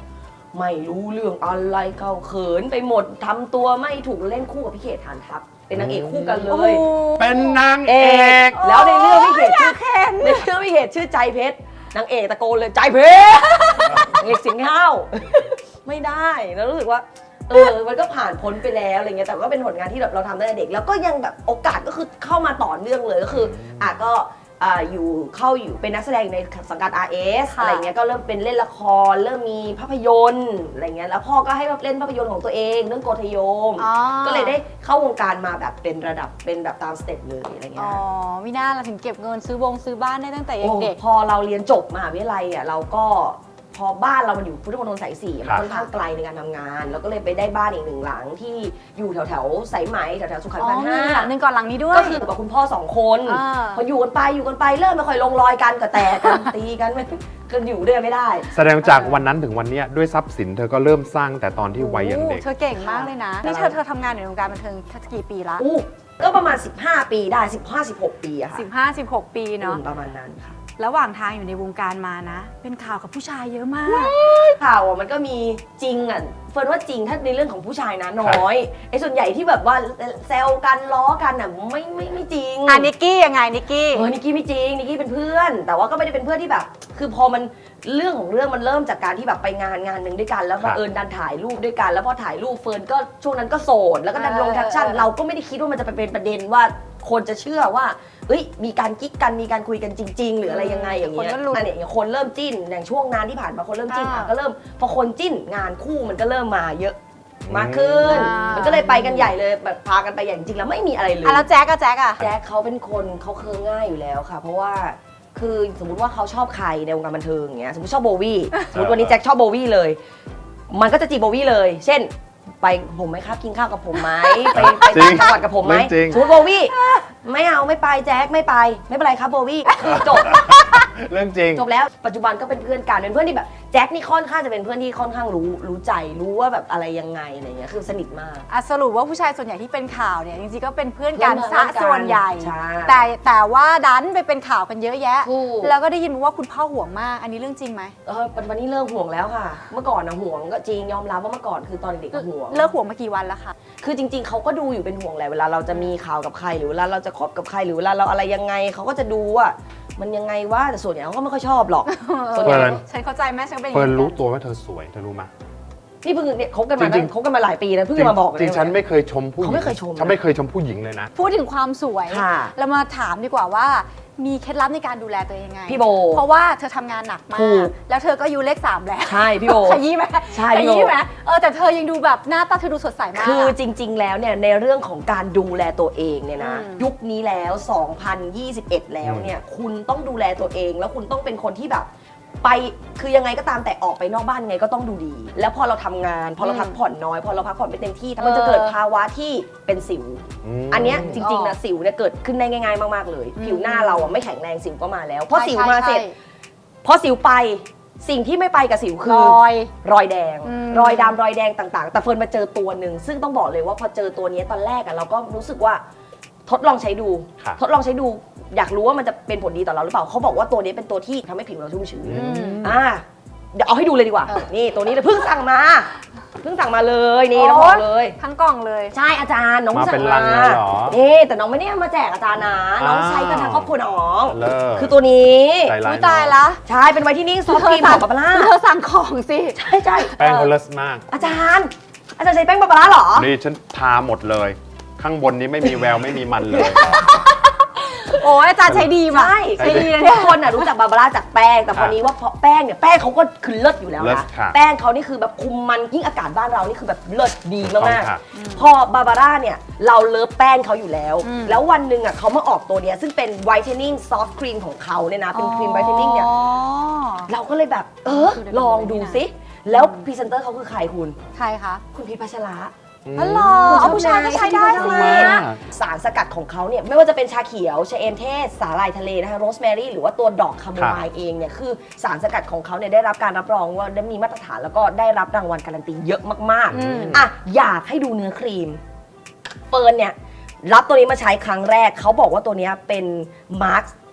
Speaker 4: ไม่รู้เรื่องอะไรเขาเขินไปหมดทำตัวไม่ถูกเล่นคู่กับพี่เขตฐานทัพเป็นนางเอกคู่กันเล
Speaker 3: โอ้โห
Speaker 4: ย
Speaker 2: เป็นนาง
Speaker 4: เอ
Speaker 2: เอก ก
Speaker 4: แล้วในเรื่องพี่เขตชื่อในเรื่องพี่เขตชื่อใจเพชรนางเอกตะโกนเลยใจเพชรนางเอกเสียงห้าวไม่ได้แล้วรู้สึกว่าเออมันก็ผ่านพ้นไปแล้วอะไรเงี้ยแต่ก็เป็นผลงานที่แบบเราทำตั้งแต่เด็กแล้วก็ยังแบบโอกาสก็คือเข้ามาต่อเนื่องเลยก็คืออ่ะก็อ่าอยู่เข้าอยู่เป็นนักแสดงในสังกัด อาร์ เอส
Speaker 3: ค่ะ
Speaker 4: อะไรเงี้ยก็เริ่มเป็นเล่นละครเริ่มมีภาพยนตร์อะไรเงี้ยแล้วพ่อก็ให้เล่นภาพยนตร์ของตัวเองเรื่องโกธโยม
Speaker 3: อ๋อ
Speaker 4: ก็เลยได้เข้าวงการมาแบบเป็นระดับเป็นแบบตามสเต็ปเลยอะไร
Speaker 3: อ๋
Speaker 4: เงี้
Speaker 3: อย ไม่น่าเราถึงเก็บเงินซื้อวงซื้อบ้านได้ตั้งแต่ยัง
Speaker 4: โอ้
Speaker 3: เด็ก
Speaker 4: พอเราเรียนจบมหาวิทยาลัยอ่ะเราก็พอบ้านเรามันอยู่พุทธมณฑลสายสี่
Speaker 2: ครั
Speaker 4: มัน
Speaker 2: บ
Speaker 4: ค่อนข้างไกลในการทำงานเราก็เลยไปได้บ้านอีกหนึ่งหลังที่อยู่แถวแถวๆสายไหมแถวแถวๆสุขัน
Speaker 3: อ๋
Speaker 4: ธ์
Speaker 3: อ
Speaker 4: พัน
Speaker 3: มี
Speaker 4: ห้า
Speaker 3: หลังหนึ่งก่อนหลังนี้ด้วย
Speaker 4: ก็คือกับคุณพ่อสองคน
Speaker 3: อ่า
Speaker 4: พออยู่กันไปอยู่กันไปเริ่มไม่ค่อยลงรอยกันก็แตกกัน ตีกันไม่กันอยู่ด้วยไม่ได้
Speaker 2: แสดงจากวันนั้นถึงวันเนี้ยด้วยทรัพย์สินเธอก็เริ่มสร้างแต่ตอนที่วัยยังเด็ก
Speaker 3: โอ้เธอเก่งมากเลยนะ
Speaker 4: ค่ะ
Speaker 3: นี่เธอเธอทำงานอยู่ในวงการบันเทิงกี่ปีละ
Speaker 4: อู้ก็ประมาณสิบห้าปีได้สิบห้า สิบหกปีอะค่ะ
Speaker 3: สิบห้า สิบหก ปีเนาะ
Speaker 4: อืมประมาณนั้นค่ะ
Speaker 3: ระหว่างทางอยู่ในวงการมานะ เป็นข่าวกับผู้ชายเยอะมาก
Speaker 4: ข่าวอ่ะมันก็มีจริงอ่ะเฟิร์นว่าจริงถ้าในเรื่องของผู้ชายนะน้อยไอ้ส่วนใหญ่ที่แบบว่าแซวกันล้อกันอ่ะไม่ไม่ไม่จริง
Speaker 3: อ่ะนิกกี้ยังไงนิกกี้
Speaker 4: เออนิกกี้ไม่จริงนิกกี้เป็นเพื่อน แต่ว่าก็ไม่ได้เป็นเพื่อนที่แบบ คือพอมันเรื่องของเรื่องมันเริ่มจากการที่แบบไปงานงานหนึ่งด้วยกันแล้ว
Speaker 2: ครั
Speaker 4: บั
Speaker 2: บ
Speaker 4: งเอิญดันถ่ายรูปด้วยกันแล้วพอถ่ายรูปเฟิร์นก็ช่วงนั้นก็โสดแล้วก็ดันลง
Speaker 3: เออ
Speaker 4: แคปชั่น
Speaker 3: เออ
Speaker 4: เราก็ไม่ได้คิดว่ามันจะไปเป็นประเด็นว่าคนจะเชื่อว่าเฮ้ยมีการกิ๊กกันมีการคุยกันจริง ๆ หรืออะไรยังไงอย่างเงี้ย
Speaker 3: คนก็ลุ้น
Speaker 4: อันเนี้ยอย่างคนเริ่มจิ้นอย่างช่วงงานที่ผ่านมาคนเริ่มจิ้น
Speaker 3: อ่า
Speaker 4: อ่ะก็เริ่มพอคนจิ้นงานคู่มันก็เริ่มมาเยอะมากขึ้น
Speaker 3: อ่ามั
Speaker 4: มันก็เลยไปกันใหญ่เลยแบบพากันไปอย่างจริงแล้วไม่มีอะไรเลย
Speaker 3: อ่ะแล้วแจ๊กอะแจ๊กอะ
Speaker 4: แจ็คเขาเป็นคนเขาเคืองง่ายอยู่แล้วค่ะ เพราะว่าคือสมมติว่าเขาชอบใครในวงการบันเทิงอย่างเงี้ยสมมติชอบโบวี่สมมติวันนี้แจ็คชอบโบวี่เลย มันก็จะจีบโบวี่เลย เช่น ไปผมไหมครับกินข้าวกับผมไหมไปไป
Speaker 2: จริ
Speaker 4: ต่าง งจังหวัดกับผมไหม
Speaker 2: เรื่องจริง
Speaker 4: สมมติโบวี่ไม่เอาไม่ไปแจ็คไม่ไปไม่เป็นไรครับโบวี่คือจบ
Speaker 2: เรื่องจริง
Speaker 4: จบแล้วปัจจุบันก็เป็นเพื่อนกันเป็นเพื่อนที่แบบแจ็คนี่ค่อนข้างจะเป็นเพื่อนที่ค่อนข้างรู้รู้ใจรู้ว่าแบบอะไรยังไงอะไรเงี้ยคือสนิทมาก
Speaker 3: อ่ะสรุปว่าผู้ชายส่วนใหญ่ที่เป็นข่าวเนี่ยจริงๆก็เป็นเพื่อนกัน
Speaker 4: เพื่อน
Speaker 3: ซะ
Speaker 4: กัน
Speaker 3: ส่วนใหญ่
Speaker 4: ใช่
Speaker 3: แต่แต่ว่าดันไปเป็นข่าวกันเยอะแยะ
Speaker 4: ถูก
Speaker 3: แล้วก็ได้ยินมาว่าคุณพ่อห่วงมาก อันนี้เรื่องจริงไหม
Speaker 4: เออวันนี้เลิกห่วงแล้วค่ะ เมื่อก่อนนะห่วงก็จริงยอมรับว่าเมื่อก่อนคือตอนเด็กๆก็ห่วง
Speaker 3: เลิกห่วงมากี่วันแล้วคะ
Speaker 4: คือจริง ๆเขาก็ดูอยู่เป็นห่วงแหละเวลาเราจะมีข่าวกับใครหรือเวลาเราจะคบกับใครหรือเวลาเราอะไรยังไงเขาก็จะดูว่ามันยังไงว่าแต่ส่วนใหญ่เขาก็ไม่ค่อยชอบหรอกส่วนใหญ่
Speaker 2: เฟิร์น
Speaker 3: ฉันเข้าใจแม่ฉันเป็นอย่าง
Speaker 2: เฟิร์น
Speaker 3: นี้
Speaker 2: รู้ตัวว่าเธอสวยเธอรู้ไหม
Speaker 4: นี่เพิ่งเนี่ยคบกันมา
Speaker 2: จริงๆ
Speaker 4: คบกันมาหลายปีแล้วเพิ่งจะมาบอก
Speaker 2: จริง
Speaker 4: เลย
Speaker 2: ๆฉันไม่เคยชมผู้หญิง
Speaker 4: เขาไม่เคยชมนะ
Speaker 2: ฉันไม่เคยชมผู้หญิงเลยนะ
Speaker 3: พูดถึงความสวย
Speaker 4: ค่ะ
Speaker 3: เรามาถามดีกว่าว่ามีเคล็ดลับในการดูแลตัวเองยังไง
Speaker 4: พี่โบ
Speaker 3: เพราะว่าเธอทำงานหนักมา
Speaker 4: ถู
Speaker 3: ก
Speaker 4: ก
Speaker 3: แล้วเธอก็อายุเลขสามแล้ว
Speaker 4: ใช่พี่โบ
Speaker 3: ขยี้ไหม
Speaker 4: ใช่
Speaker 3: ข
Speaker 4: พี่โบ
Speaker 3: ยี้ไหมเออแต่เธอยังดูแบบหน้าตาเธอดูสดใสมาก
Speaker 4: คือ
Speaker 3: อะ
Speaker 4: จริง ๆ แล้วเนี่ยในเรื่องของการดูแลตัวเองเนี่ยนะ
Speaker 3: อืม
Speaker 4: ยุคนี้แล้ว สองพันยี่สิบเอ็ด แล้วเนี่ยคุณต้องดูแลตัวเอง แล้วคุณต้องเป็นคนที่แบบ ไปคือยังไงก็ตามแต่ออกไปนอกบ้านยังไงก็ต้องดูดี แล้วพอเราทำงาน พอเราพักผ่อนน้อยพอเราพักผ่อนไม่เต็มที่มันจะเกิดภาวะที่เป็นสิว
Speaker 2: อืม
Speaker 4: อันเนี้ยจริงๆนะสิวเนี่ยเกิดขึ้นได้ง่ายๆมากๆเลย ผิวหน้าเราอะไม่แข็งแรงสิวก็มาแล้วพอสิวมาเสร็จ
Speaker 3: ใช่
Speaker 4: พอสิวไปสิ่งที่ไม่ไปกับสิวคื
Speaker 3: ร
Speaker 4: อ
Speaker 3: อย
Speaker 4: รอยแดง
Speaker 3: อืม
Speaker 4: รอยดำรอยแดงต่างๆ แต่เฟิร์นมาเจอตัวหนึ่งซึ่งต้องบอกเลยว่าพอเจอตัวนี้ตอนแรกอะเราก็รู้สึกว่าทดลองใช้ดู
Speaker 2: ครับ
Speaker 4: ทดลองใช้ดู อยากรู้ว่ามันจะเป็นผลดีต่อเราหรือเปล่าเขาบอกว่าตัวนี้เป็นตัวที่ทำให้ผิวเราชุ่มชื้น
Speaker 3: อืม
Speaker 4: อ่าเดี๋ยวเอาให้ดูเลยดีกว่า
Speaker 3: เออ
Speaker 4: นี่ตัวนี้เลยเพิ่งสั่งมาเพิ่งสั่งมาเลยนี่ต้องบอกเลย
Speaker 3: ทั้งกล่องเลย
Speaker 4: ใช่อาจารย์น้อง
Speaker 2: มา
Speaker 4: สั่
Speaker 2: เป็
Speaker 4: ง
Speaker 2: นลั
Speaker 4: มาง
Speaker 2: เลยเหรอ
Speaker 4: นี่แต่น้องไม่ได้เอามาแจกอาจารย์นะน้อง
Speaker 2: อ่า
Speaker 4: ใช้กันทั้งครอบครัวน้อง
Speaker 2: เลิศ
Speaker 4: คือตัวนี้
Speaker 2: ใจร้า
Speaker 3: อุ้
Speaker 2: ย
Speaker 3: ยตาย
Speaker 2: เนอะ
Speaker 3: ละ
Speaker 4: ใช่เป็นไวท์ที่นิ่งซอฟต์ครีมของบาบาร่า
Speaker 3: เธอสั่งของสิ
Speaker 4: ใช่ใช่
Speaker 2: แป้งเขาเลิศมาก
Speaker 4: อาจารย์ อาจารย์ใช้แป้งบาบาร่าเหรอ
Speaker 2: นี่ฉันทาหมดเลย ข้างบนนี้ไม่มีแววไม่มีมันเลย
Speaker 3: โอ้ยอาจารย์ใช้ดีมาก
Speaker 4: ใช่
Speaker 3: ใช้ดีนะ
Speaker 4: ทุ
Speaker 3: เนี่
Speaker 4: ก
Speaker 3: ย
Speaker 4: คนน่ะรู้จักบาบาร่าจากแป้งแต่พอนี้ว่าเพราะแป้งเนี่ยแป้งเขาก็คือเลิศอยู่แล้ว
Speaker 2: เลิศ
Speaker 4: นะ
Speaker 2: ค่ะ
Speaker 4: แป้งเขานี่คือแบบคุมมันยิ่งอากาศบ้านเรานี่คือแบบเลิศดีมาก
Speaker 2: ค่ะ
Speaker 4: ๆพอบาบาร่าเนี่ยเราเลิฟแป้งเขาอยู่แล้ว
Speaker 3: อืม
Speaker 4: แล้ววันหนึ่งอ่ะเขามาออกตัวเนี้ยซึ่งเป็นไวท์เทนนิ่งซอฟต์ครีมของเขาเนี่ยนะเป็นครีมไวท์เทนนิ่งเนี่ย
Speaker 3: อ๋อ
Speaker 4: เราก็เลยแบบเออลองดูซิแล้วพรีเซนเตอร์เขาคือใครคุณ
Speaker 3: ใครคะ
Speaker 4: คุณพีชพัชระ
Speaker 3: อ๋อเหรอเอาผู้ชายก็ใช้ได้สิ
Speaker 2: มาก
Speaker 4: สารสกัดของเขาเนี่ยไม่ว่าจะเป็นชาเขียวชาเอมเทศสาหร่ายทะเลนะคะโรสแมรี่หรือว่าตัวดอกคาโมไมล์เองเนี่ยคือสารสกัดของเขาเนี่ยได้รับการรับรองว่าได้มีมาตรฐานแล้วก็ได้รับรางวัลการันตีเยอะมาก
Speaker 3: อืม
Speaker 4: ๆอ่ะอยากให้ดูเนื้อครีมเฟิร์นเนี่ยรับตัวนี้มาใช้ครั้งแรกเขาบอกว่าตัวเนี้ยเป็นมาร์ค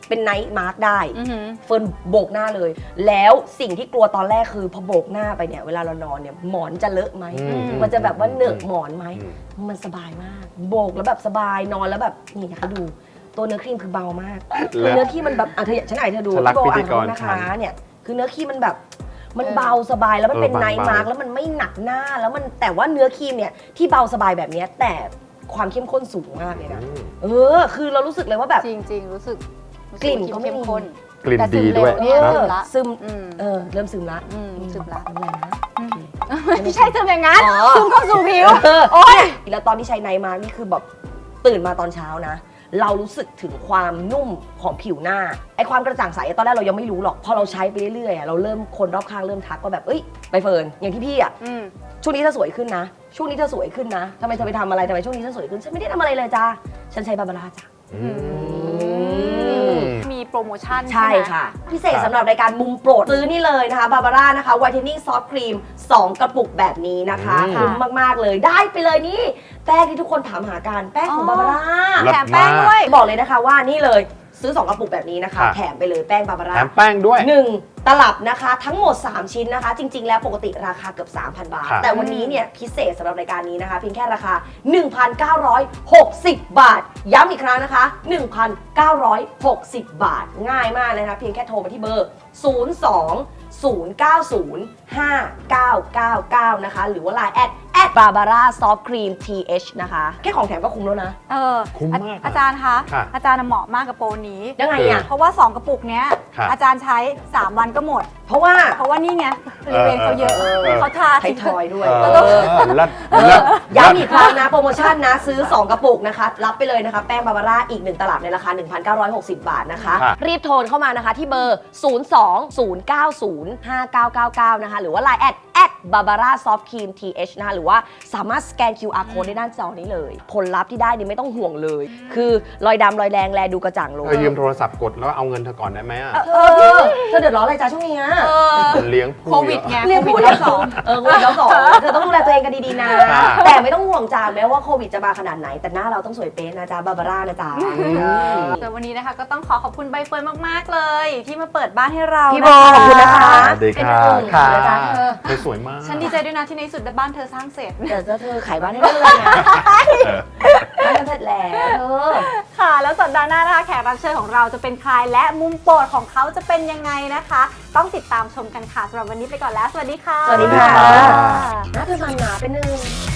Speaker 4: เป็นไนท์มาร์กได้
Speaker 3: อือหือ
Speaker 4: เฟิร์นโบกหน้าเลย แล้วสิ่งที่กลัวตอนแรกคือพอโบกหน้าไปเนี่ยเวลาเรานอนเนี่ยหมอนจะเลอะไหม
Speaker 2: อืม
Speaker 4: มันจะแบบว่าเหนอะหมอนไหม
Speaker 2: อืม
Speaker 4: มันสบายมาก โบกแล้วแบบสบายนอนแล้วแบบนี่นะคะดูตัวเนื้อครีมคือเบามากคือเนื้อครีมมันแบบอ่ะเธอฉันไหนเธอดู
Speaker 2: ฉันรัก
Speaker 4: พี่โบ
Speaker 2: พิธี
Speaker 4: อ่าน
Speaker 2: กร
Speaker 4: นะคะ
Speaker 2: ฉัน
Speaker 4: เนี่ยคือเนื้อครีมมันแบบมัน
Speaker 3: เออ
Speaker 4: เบาสบายแล้วมันเป็น
Speaker 2: เออ
Speaker 4: ไนท์
Speaker 2: บางๆ
Speaker 4: มาร์กแล้วมันไม่หนักหน้าแล้วมันแต่ว่าเนื้อครีมเนี่ยที่เบาสบายแบบเนี้ยแต่ความเข้มข้นสูงมากเลยนะ
Speaker 2: อืม
Speaker 4: เออคือเรารู้สึกเลยว่าแบบ
Speaker 3: จริงๆ รู้สึกรู้สึ
Speaker 4: กลิ่นก็ไม่
Speaker 3: เข้ม
Speaker 4: มี
Speaker 3: ข้น
Speaker 2: กลิ่น
Speaker 3: แต่ซึ
Speaker 2: ดี
Speaker 3: มเร็
Speaker 2: ด้วย
Speaker 3: เนี่ย
Speaker 2: นะ
Speaker 3: ซึมละ
Speaker 4: ซึม
Speaker 3: อืม
Speaker 4: เออเริ่มซึมละ
Speaker 3: อืมซึมละ
Speaker 4: ไม่เป็นไรนะ
Speaker 3: ไม่ใช่ซึมอย่างนั้น
Speaker 4: อ๋อ
Speaker 3: ซึมเข้าสู่ผิว
Speaker 4: เออ
Speaker 3: โอ๊ย
Speaker 4: แล้วตอนที่ใช้ไนท์มาร์กนี่คือแบบตื่นมาตอนเช้านะ เรารู้สึกถึงความนุ่มของผิวหน้าไอความกระจ่างใสตอนแรกเรายังไม่รู้หรอกพอเราใช้ไปเรื่อยๆอะเราเริ่มคนรอบข้างเริ่มทักว่าแบบเอ้ยใบเฟิร์นอย่างที่พี่อ่ะ
Speaker 3: อืม
Speaker 4: ช่วงนี้เธอสวยขึ้นนะ ช่วงนี้เธอสวยขึ้นนะทำไมเธอไปทำอะไรทำไมช่วงนี้เธอสวยขึ้นฉันไม่ได้ทำอะไรเลยจ้าฉันใช้บาบาร่าจ้ะ
Speaker 2: อืม
Speaker 3: มีโปรโมชั่น
Speaker 4: ใช่
Speaker 3: ไหม
Speaker 4: ค่ะ พิเศษ
Speaker 2: ครับ
Speaker 4: สำหรับรายการมุมโปรดซื้อนี่เลยนะคะบาบาร่านะคะ Whitening Soft Cream สองกระปุกแบบนี้นะคะ
Speaker 2: อืม
Speaker 4: คุ้มมาก ๆ เลยได้ไปเลยนี่ แป้งที่ทุกคนถามหากันแป้งของบาบาร่า
Speaker 2: เลิศ
Speaker 3: แถมแป้งด้วย
Speaker 4: บอกเลยนะคะว่านี่เลยซื้อ สอง กระปุกแบบนี้นะคะ
Speaker 2: ค่ะ
Speaker 4: แถมไปเลยแป้งบาบาร่า
Speaker 2: แถมแป้งด้วย
Speaker 4: หนึ่งตลับนะคะ ทั้งหมด สาม ชิ้นนะคะ จริง ๆ แล้วปกติราคาเกือบ สามพัน บาท
Speaker 2: ครับ
Speaker 4: แต่วันนี้เนี่ยพิเศษสำหรับรายการนี้นะคะ เพียงแค่ราคา หนึ่งพันเก้าร้อยหกสิบ บาท ย้ำอีกครั้งนะคะ หนึ่งพันเก้าร้อยหกสิบ บาท ง่ายมากเลยนะคะเพียงแค่โทรมาที่เบอร์ ศูนย์ สอง ศูนย์ เก้า ศูนย์ ห้า เก้า เก้า เก้า นะคะ หรือว่า ไลน์ แอด แอด บาบาร่า ซอฟต์ ครีม ที เอช นะคะ แค่ของแถมก็คุ้มแล้วนะ
Speaker 3: เออ
Speaker 2: คุ้มมาก
Speaker 3: อาจารย์คะ
Speaker 2: ค่ะ
Speaker 3: อาจารย์เหมาะมากกับโปรนี้
Speaker 4: ยังไงอ่ะ
Speaker 3: เพราะว่า สอง กระปุกเนี้ย
Speaker 2: ครับ
Speaker 3: อาจารย์ใช้ สาม วันก็หมด
Speaker 4: เพราะว่า
Speaker 3: เพราะว่านี่ไงบริเวณเขาเยอะ
Speaker 2: เออเออ
Speaker 3: เขาทา
Speaker 4: ไทยทอยด้วย
Speaker 2: เอ
Speaker 4: เออ
Speaker 2: อเลิศเลิศ
Speaker 4: ย้ำอีกครั้งนะ โปรโมชั่นนะ ซื้อ สอง กระปุกนะคะ รับไปเลยนะคะ แป้งบาบาร่าอีก หนึ่ง ตลับในราคา หนึ่งพันเก้าร้อยหกสิบ บาทนะคะ
Speaker 2: ครับ
Speaker 4: รีบโทรเข้ามานะคะที่เบอร์ ศูนย์ สอง ศูนย์ เก้า ศูนย์ ห้า เก้า เก้า เก้า นะคะ หรือว่า ไลน์ แอด แอด บาบาร่า ซอฟต์ ครีม ที เอช นะคะ หรือว่าสามารถสแกน คิว อาร์ Code ได้ด้านจอนี้เลย ผลลัพธ์ที่ได้นี่ไม่ต้องห่วงเลย คือรอยดำรอยแดงแลดูกระจ่างลง
Speaker 2: เธอยืมโทรศัพท์กดแล้วเอาเงินเธอก่อนได้ไหมอ่ะ
Speaker 4: เออเธอเดือดร้อนอะไรจ้าช่วงนี้อะ
Speaker 3: เออ
Speaker 2: เลี้ยงผู้
Speaker 3: โควิดไง
Speaker 4: เรียนพูดแล้วสองเออโควิดแล้วสองเธอต้องดูแลตัวเองกันดีๆนะ
Speaker 2: ค่ะ
Speaker 4: แต่ไม่ต้องห่วงจ้าแม้ว่าโควิดจะมาขนาดไหน แต่หน้าเราต้องสวยเป๊ะนะจ๊ะบาบาร่านะจ๊ะ
Speaker 3: แต่วันนี้นะคะก็ต้องขอขอบคุณใบเฟิร์นมาก ๆ เลย ที่มาเปิดบ้านให้เรา
Speaker 4: พี่โบขอบคุณนะคะ
Speaker 2: สวัสดีค่ะ
Speaker 4: เป็นอุ่น
Speaker 2: ค่ะ
Speaker 4: นะจ๊ะเธอ
Speaker 2: เธอสวยมาก
Speaker 3: ฉันดีใจด้วยนะที่ในที่สุดบ้านเธอสร้างเสร็จ
Speaker 4: เดี๋ยวจะเธอขายบ้านให้ได้เลยนะ
Speaker 2: เออ
Speaker 4: บ้านจะเสร็จแล้วเธอ
Speaker 3: ค่ะ แล้วสัปดาห์หน้านะคะแขกรับเชิญของเราจะเป็นใครและมุมโปรดของเขาจะเป็นยังไงนะคะ ต้องติดตามชมกันค่ะสำหรับวันนี้ไปก่อนแล้ว สวัสดีค่ะ
Speaker 4: สวัสดี
Speaker 2: ค่ะ
Speaker 4: หน้าเธอมันหนาเป็นหนึ่ง